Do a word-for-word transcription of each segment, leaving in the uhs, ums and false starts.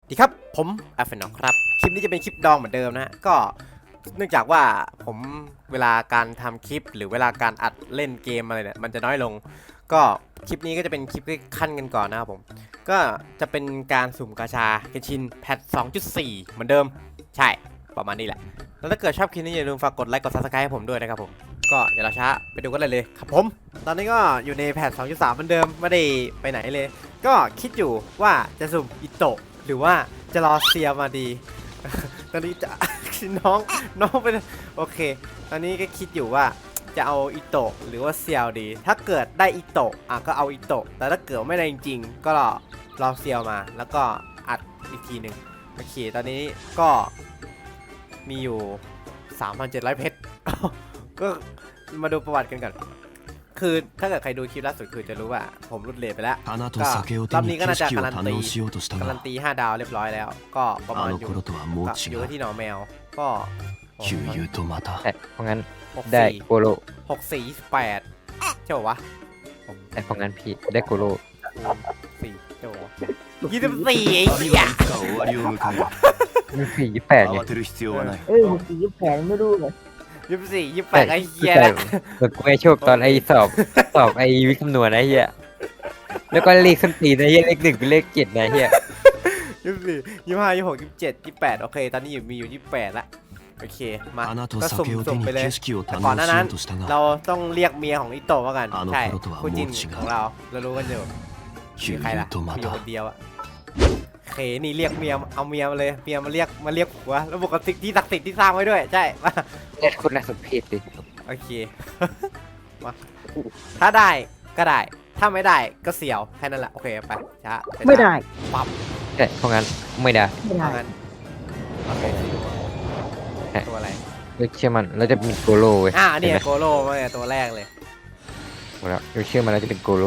ดีครับผมอาเฟนอกครับคลิปนี้จะเป็นคลิปดองเหมือนเดิมนะฮะก็เนื่องจากว่าผมเวลาการทำคลิปหรือเวลาการอัดเล่นเกมอะไรเนี่ยมันจะน้อยลงก็คลิปนี้ก็จะเป็นคลิปที่ขั้นกันก่อนนะครับผมก็จะเป็นการสุ่มกาชาเกนชินแพท สองจุดสี่ เหมือนเดิมใช่ประมาณนี้แหละแล้วถ้าเกิดชอบคลิปนี้อย่าลืมฝากกดไลค์กด ซับสไครบ์ ให้ผมด้วยนะครับผมก็อย่ารอช้าไปดูกันเลยเลยครับผมตอนนี้ก็อยู่ในแพท สองจุดสาม เหมือนเดิมไม่ได้ไปไหนเลยก็คิดอยู่ว่าจะสุ่มอิโตะหรือว่าจะรอเซียมาดี ตอนนี้จะ น้องน้องเป็นโอเคตอนนี้ก็คิดอยู่ว่าจะเอาอิโตะหรือว่าเซียวดีถ้าเกิดได้อิโตะอ่ะก็เอาอิโตะแต่ถ้าเกิดไม่ได้จริงๆก็รอรอเซียวมาแล้วก็อัดอีกทีหนึ่งโอเคตอนนี้ก็มีอยู่ สามพันเจ็ดร้อย เพชร ก็มาดูประวัติกันก่อนคือถ้าเกิดใครดูคลิปล่าสุดคือจะรู้ว่าผมรุดเลทไปแล้วก็รอบนี้ก็น่าจะการันตีการันตีห้าดาวเรียบร้อยแล้วก็ประมาณอยู่อยู่ที่หนองแมวก็แต่เพราะงั้นหกได้สี่โกโลหกสี่แปดใช่ป่าวะแต่เพราะงั้นพี่ได้โกโลสี่ใช่ป่าวะยี่สิบสี่ไอ้เหี้ยมีสี่ยี่แปดเนี่ยเอ้ยสีแผงไม่รู้เลยยี่สิบสี่ยี่สิบแปดไอ้เหี้ยแต่ละแบบกูไอโชคตอนไอสอบสอบไอวิคำนวณนะเฮียแล้วก็เลขขึ้นตีนะเฮียเลขหนึ่งเป็นเลขเจ็ดนะเฮียยี่สิบสี่ยี่สิบห้ายี่สิบหกยี่สิบเจ็ดยี่สิบแปดโอเคตอนนี้อยู่มีอยู่ยี่สิบแปดละโอเคมาก็สุ่มสุ่มไปเลยแต่ก่อนหน้านั้นเราต้องเรียกเมียของอิโตะมากันใช่คู่จิ้นของเราเรารู้กันอยู่มีใครล่ะมีอยู่คนเดียวอะโอเคนี่เรียกเมียเอาเมียมาเลยเมียมาเรียกมาเรียกผัวแล้วบอกกับสิ่งที่ศักดิ์สิทธิ์ที่สร้างไว้ด้วยใช่มาเล็ดคนน่าสมเพชเลยโอเค มาถ้าได้ก็ได้ถ้าไม่ได้ก็เสียวแค่นั้นแหละโอเคไปช้าไม่ได้ปั๊บแต่เพราะงั้นไม่ได้ไม่ได้เอางั้นโอเคตัวอะไรเราเชื่อมันเราจะเป็นโกโลเว้ยอ่าเนี่ห็ยไหมโกโล่มาเนี่ยตัวแรกเลยหมดแล้วเราเชื่อมันเราจะเป็นโกโล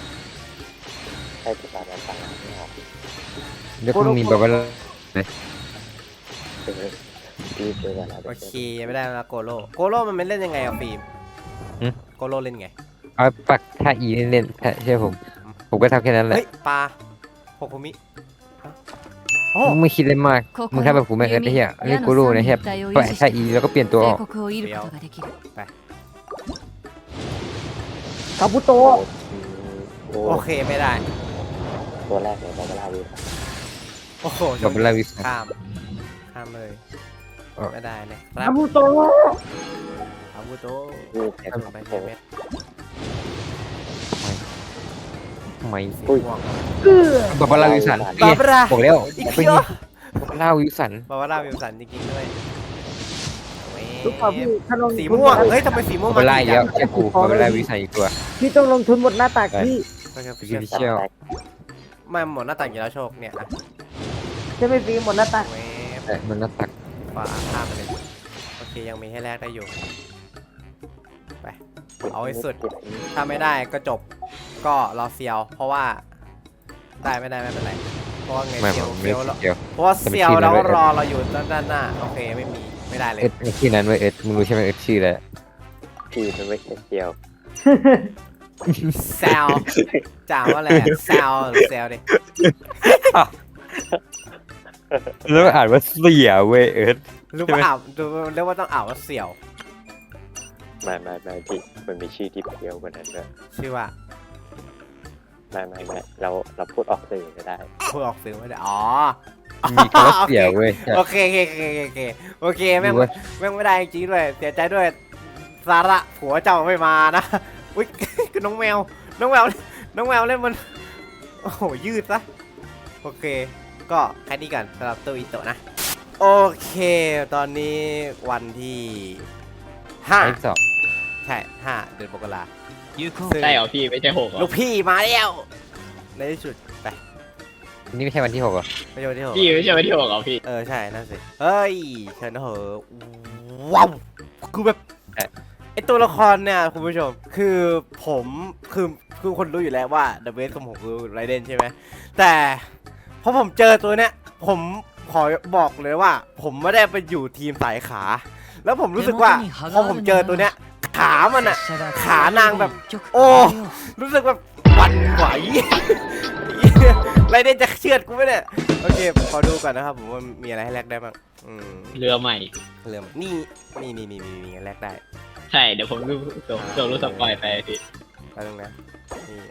แล้วก็มีแบบว่าโอเคยังไม่ได้แล้วโกโล่โกโล่มันเป็นเล่นยังไงอะฟิล์มโกโล่เล่นไงเอาปักท่าอีเล่นๆถ้าเชื่อผมผมก็ทำแค่นั้นแหละเฮ้ยปลาโฮคุมิโอ้มึงไม่คิดเลยมากมึงทำแบบผมไม่เอิร์ธไอ้เหี้ยเล่นโกโลนะเหี้ยปล่อยท่าอีแล้วก็เปลี่ยนตัวออกคาบุโตะโอเคไม่ได้ตัวแรกเลยบาบาร่าวิวโอ้โหกับลาวิสข้ามข้ามเลยไม่ได้นะครัคาบบุโตะอาวุโตวิวแพ้ไปแพ้เม็ดไม่สีม่วงเกือแบบว่าลาวิสันบาบาร่าบอกแล้วอีกเป็นเยอะลาวิสันบาบาร่าวิลสันจริงๆด้วยทุกคนพี่ถ้าลงสีม่วงเฮ้ยทำไมสีม่วงบามาลาดีอีกแล้วแค่กูบาลาวิสันอีกตัวพี่ต้องลงทุนหมดหน้าตักพี่ยูนิเชียลไม่หมดหน้าต่างอยู่แล้วโชคเนี่ยนะจะไม่ฟีหมดหน้าตักเวฟแต่มันน่าตักฟ้าข้ามไปเลยโอเคยังมีให้แลกได้อยู่ไปเอาให้สุดถ้าไม่ได้ก็จบก็รอเซียว เพราะว่าได้ไม่ได้ไม่เป็นไรเพราะว่าไงไม่เซียวผมเซีไม่ยวเราเดียวเพราะว่าเซียวเราก็รอเราอยู่ด้านหน้าโอเคไม่มีไม่ได้เลยเอ็ดไอ้ที่นั้นเว้ยเอ็ดมึงรู้ใช่ไหมเอ็ดชื่ออะไรพี่มันไม่ใช่เดียวแซวจ่าว่าอะไรแซวหรือแซวดิแล้วอ่านว่าเสียเว้ยเอ็ดรู้ว่าอ่าวดูเรียกว่าต้องอ่าวว่าเสี่ยวไม่ไม่ไม่พี่มันมีชื่อที่เดียวกว่านั้นด้วยชื่อว่าไม่ไม่ไม่เราเราพูดออกสื่อก็ได้พูดออกเสียงไม่ได้อ๋อมีคำว่าเสียเว้ยโอเคโอเคโอเคโอเคโอเคแม่งแม่งไม่ได้จริงด้วยเสียใจด้วยสาระผัวเจ้าไม่มานะอุ้ย คือน้องแมวน้องแมวน้องแมวเล่นมันโอ้โหยืดซะโอเคก็แค่นี้กันสำหรับตัวอิโตะนะโอเคตอนนี้วันที่ห้าไอ้สอบใช่ห้าเดือนมกราซึ่งใช่เหรอพี่ไม่ใช่หกเหรอลูกพี่มาแล้วในที่สุดไปนี่ไม่ใช่วันที่หกเหรอไม่ใช่วันที่หกพี่ไม่ใช่วันที่หกเหรอพี่เออใช่นั่นสิเฮ้ยเชิญนะเหอะว้าวคือแบบไอตัวละครเนี่ยคุณผู้ชมคือผมคือคือคนรู้อยู่แล้วว่าเดอะเบสของผมคือไรเดนใช่ไหมแต่พอผมเจอตัวเนี้ยผมขอบอกเลยว่า ผมไม่ได้ไปอยู่ทีมสายขา แล้วผมรู้สึกว่าพอผมเจอตัวเนี้ยขามันอะขานางแบบ โอ้รู้สึกแบบหวันไหวไรเดนจะเชือดกูไหมเนี่ยโอเคขอดูก่อนนะครับผมว่ามีอะไรให้แลกได้บ้างอืมเรือใหม่เริ่มนี่นี่นี่นี่นี่แลกได้ใช่เดี๋ยวผมดูส่งส่งรูปสปอยไปพี่แป๊บนึงนะนี่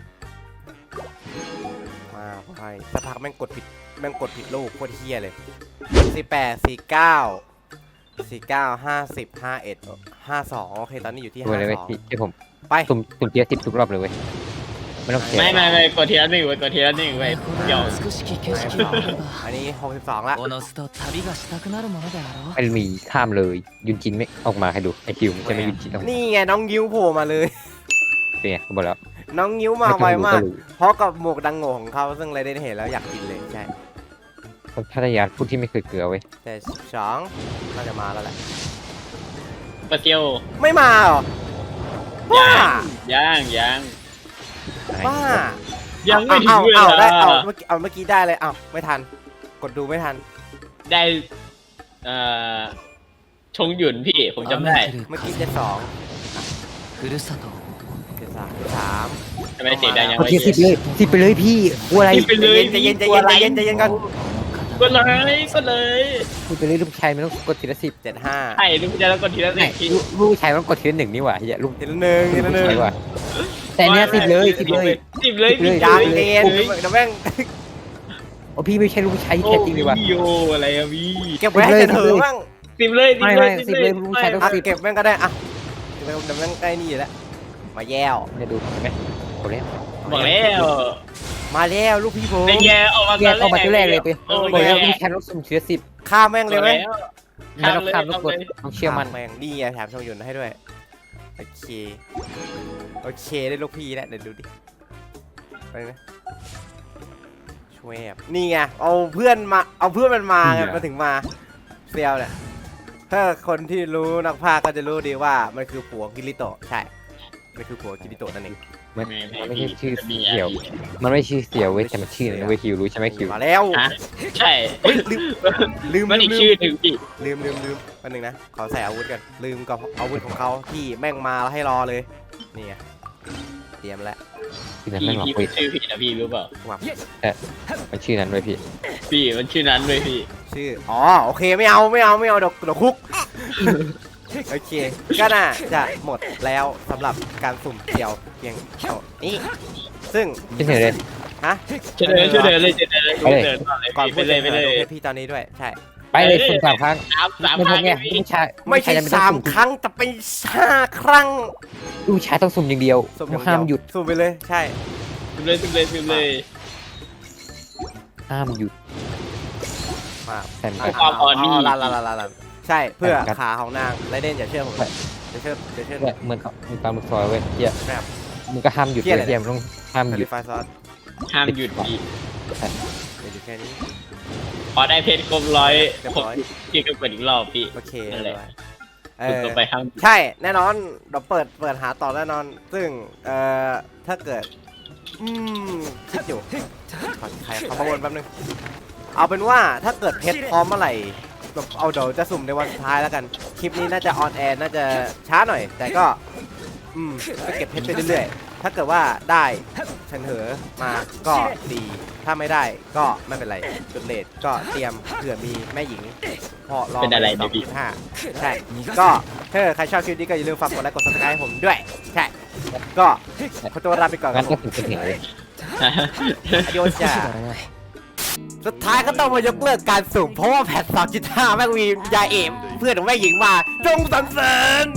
มาไปสักพักแม่งกดผิดแม่งกดผิดลูกโคตรเฮี้ยเลยสี่แปดสี่เก้าสี่เก้าห้าสิบห้าเอ็ดห้าสองโอเคตอนนี้อยู่ที่ดูห้าเลยเว้ยสองพี่ที่ผมไปสุ่มสุ่มเทียสิบทุกรอบเลยเว้ยไม่ต้องเสียไม่ไม่ไม่กดทีละหนึ่งไว้กดทีละหนึ่งไว้เดี๋ยว美しき景色があればอันนี้หกสิบสองละおのずと旅がしたくなるものであろうไม่มีข้ามเลยยุนจินไม่ออกมาให้ดูไอคิวมันจะไม่ยุนจินออกมานี่ไงน้องยิ้วโผล่มาเลยเป็นไงกูบอกแล้วน้องยิ้วมาไวมากรู้เพราะกับหมวกดังโง่ของเขาซึ่งไรเดนเห็นแล้วอยากกินเลยใช่คนพัทยาพูดที่ไม่เคยเกลือเว้ยแต่สองน่าจะมาแล้วแหละปะเจียวไม่มาเหรอบ้าย่างย่างบ้ายังไม่ถึงเอาเวเอาลาเอาได้เอาเมื่อกี้เอาเมื่อกี้ได้เลยเอาไม่ทัน กดดูไม่ทันได้เอ่อชงหยุนพี่ผมจำได้雨降るเมื่อกี้เจ็ดสองふるさとเจ็ดสามสามทำไมเสียงดังยังเอาไม่เทียสิบเย็นเลยสิบไปเลยพี่กลัวอะไรสิบไปเลยใจเย็นใจเย็นใจเย็นใจเย็นใจเย็นกันก็เลยก็เลยพูดไปเลยลูกชายมันต้องกดทีละสิบเจ็ดห้าใช่ลูกจะแล้วกดทีละหไม่นึ่งพี่ลูกลูกชายมันต้องกดทีละหนึ่งนี่หว่าเฮียลูกทีละหนึ่งทีละหนึ่งใช่ว่ะแต่เนี้ยสิบเลยสิบเลยสิบเลยสิบเลยยางสิบเรียนเลยเดี๋ยวแม่งโอ้พี่ไม่ใช่ลูกชายที่โอ้แท้จริงเลยว่ะพี่โยอะไรอะพี่เก็บไว้ให้เธอบ้างสิบเลยสิบไม่เลไม่ยสิบเลยลูกชายต้องอ่ะเก็บแม่งก็ได้อ่ะเดี๋ยวเดี๋ยวแม่งใกล้นี่อยู่แล้วมาแย้วเนี่ยดูเห็นไหมโอ้แล้วบอกแล้วมาแล้วลูกพี่ผมเป็นไงออกมาแยกออกมาที่แรกเลยไปโอ้บอกยแล้วลูกชายต้องสุ่มทีละสิบฆ่าแม่งเลยไหมไม่ต้องข้ามต้องกดต้องเชื่อมันฆ่าแม่งนี่ไงแถมชมยุนให้ด้วยโอเคโอเคได้ลูกพี่แล้วเดี๋ยวดูดิไปนะช่วยแอบนี่ไงเอาเพื่อนมาเอาเพื่อนมันมาไงมาถึงมาเซียวเนี่ยถ้าคนที่รู้นักพากย์ก็จะรู้ดีว่ามันคือผัวกิริโตะใช่มันคือผัวกิริโตะนั่นเองมันมันไม่ใช่ชื่อเสี่ยว มันไม่ชื่อเสี่ยวเว้ยแต่มันชื่อนะเว้ยคิวรู้ใช่ไหมคิวมาแล้วฮะใช่เฮ้ยลืมลืมมันอีกลืชื่อหนึ่งพี่ลืมลืมลืมอันหนึ่งนะขอใส่อาวุธกันลืมกับอาวุธของเขาที่แม่งมาแล้วให้รอเลยนี่ไงเตรียมแล้วชื่อนั้นพี่ไม่หรอกพี่เว้ยชื่อพี่นะพี่รู้เปล่าว่ามันชื่อนั้นเว้ยพี่พี่มันชื่อนั้นเลยพี่ชื่ออ๋อโอเคไม่เอาไม่เอาไม่เอาเดี๋ยวเดี๋ยวคุกโอเคก็น่าจะหมดแล้วสำหรับการสุ่มเดี่ยวเพียงเท่านี้ซึ่งชื่อเฉยเลยฮะช่วยเดินช่วยเดินเลยช่วยเดินเลยไปเลยเดินก่อนเลยก่อนพี่พูไปดเลยไปเลยดูให้พี่ตอนนี้ด้วยใช่ไปเลยสุ่มสามครั้งสามสามไม่คพรั้อง ไงพี่ลูกชายไม่ใช่ลูกชยสามต้องครั้งแต่เป็นห้าครั้งลูกชายต้องสุ่มอย่างเดียวสุ่มอย่างเดียวห้ามหยุดสุ่มไปเลยใช่สิบเลยสิบเลยสิบเลยห้ามหยุดมาแต่อ่ะความอ่อนนี่ลาลาลาลาลาใช่เพื่อครับขาของนางไรเดนอย่าเชื่อผมอย่าเชื่ออย่าเชื่อเนี่ยเหมือนเขามีปลาหมึกซอยเว้ยเฮียแบบมึงก็ห้ามหยุดเหี้ยเลอะไรยเฮียมึงต้องห้ามคาหยุลิดฟายซอสห้ามหยุดพี่เดี๋ยวอยู่แค่นี้พอได้เพชรครบร้อยเรียบผมร้อยพี่ก็เปิดอีกรอบพี่โอเคนั่นแหละเอฝึกอต่อไปห้ามหยุดใช่แน่นอนเดี๋ยวเปิดเปิดหาต่อแน่นอน ซึ่งเอ่อถ้าเกิดอืมคิดอยู่ขอใครขอประมวลแป๊บนึงเอาเป็นว่าถ้าเกิดเพชรพร้อมเมื่อไหร่แบบเอาเดี๋ยวจะสุ่มในวันสุดท้ายแล้วกันคลิปนี้น่าจะออนแอร์น่าจะช้าหน่อย แต่ก็อืมก็เก็บเพชรไปเรื่อยๆถ้าเกิดว่าได้เฉันเหอมาก็ดีถ้าไม่ได้ก็ไม่เป็นไรจุดเลทก็เตรียมเผื่อมีแม่หญิงพอรอเป็นอะไรสเนี่อย งพี่จุดห้าใช่ก็ถ้าใครชอบคลิปนี้ก็อย่าลืมฝากกดไลค์กด ซับสไครบ์ให้ผมด้วยใช่ก็ขอตัวลาไปก่อนคงั้รันบผก็มถึงจะเห็นเลยอโยจ้าสุดท้ายก็ต้องมายกเลิกการสุ่มเพราะว่าแพท สองจุดห้า แม่งมียาเอมเพื่อนของแม่หญิงมาจงสรรเสริญ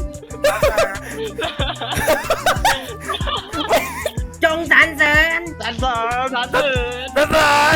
จงสรรเสริญสันสอนสันเถิดสรรเสริญ